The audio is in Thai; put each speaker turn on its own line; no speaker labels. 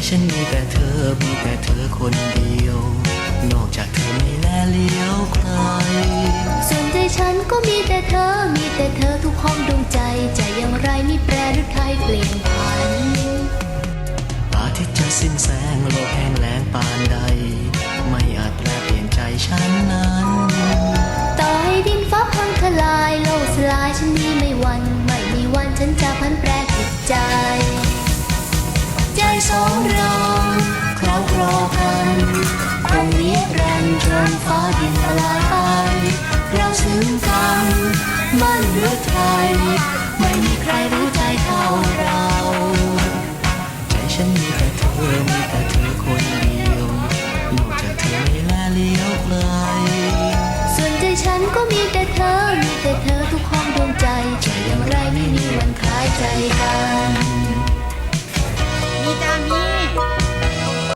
ฉันมีแต่เธอมีแต่เธอคนเดียวนอกจากเธอไม่แลเลี้ยวใคร
ส่วนใจฉันก็มีแต่เธอมีแต่เธอทุกห้องดวงใจใจอย่างไรไม่แปรหรือไทยเปลี่ยนผัน
อาทิตย์จะสิ้นแสงโลกแห้งแล้งปานใดไม่อาจแปลเปลี่ยนใจฉันนั้น
ต่อให้ดินฟ้าพังทลายโลกสลายฉันนี้ไม่หวั่นไม่มีวันฉันจะพันแปรจิตใจ
ใจสองเราคล้องคลอกันคงนิรันดร์จนฟ้าดินละลายไปเราซึ้งกันมั่นหรือไทยไม่มีใครรู้ใจเท่าเราใจฉันมีแต่เธอมีแต่เธอคนเดียวนอกจากเธอไม่แลเลี้ยวใคร
ส่วนใจฉันก็มีแต่เธอมีแต่เธอทุกห้องดวงใจใจอย่างไรไม่มีวันคล้ายใจกัน